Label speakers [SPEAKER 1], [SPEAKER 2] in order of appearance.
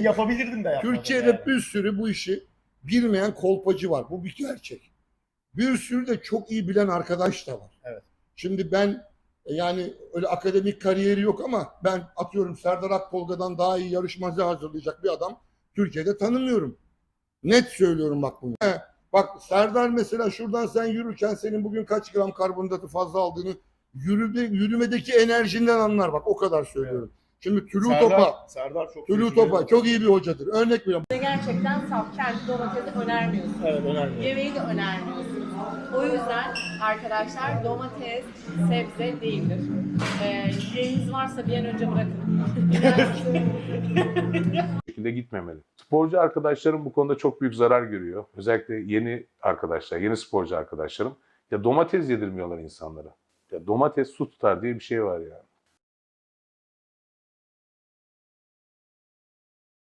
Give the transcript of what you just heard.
[SPEAKER 1] yapabilirdim de yapmadım.
[SPEAKER 2] Türkiye'de
[SPEAKER 1] yani.
[SPEAKER 2] bir sürü bu işi bilmeyen kolpacı var. Bu bir gerçek. Bir sürü de çok iyi bilen arkadaş da var.
[SPEAKER 1] Evet.
[SPEAKER 2] Şimdi ben yani öyle akademik kariyeri yok ama ben atıyorum Serdar Akpolga'dan daha iyi yarışmacı hazırlayacak bir adam Türkiye'de tanımıyorum. Net söylüyorum bak bunu. Bak Serdar mesela şuradan sen yürürken senin bugün kaç gram karbonhidratı fazla aldığını yürümedeki enerjinden anlar bak o kadar söylüyorum. Şimdi
[SPEAKER 1] Serdar çok
[SPEAKER 2] Tülü Topa çok iyi bir hocadır. Örnek veriyorum.
[SPEAKER 3] Gerçekten saf, kendi domatesi önermiyorsunuz.
[SPEAKER 1] Evet, önermiyorum.
[SPEAKER 3] Yemeği de önermiyorsunuz. O yüzden arkadaşlar domates sebze değildir. Yemeğiniz varsa bir an önce bırakın.
[SPEAKER 4] şekilde gitmemeli. Sporcu arkadaşlarım bu konuda çok büyük zarar görüyor. Özellikle yeni arkadaşlar, yeni sporcu arkadaşlarım. Ya domates yedirmiyorlar insanlara. Ya domates su tutar diye bir şey var ya.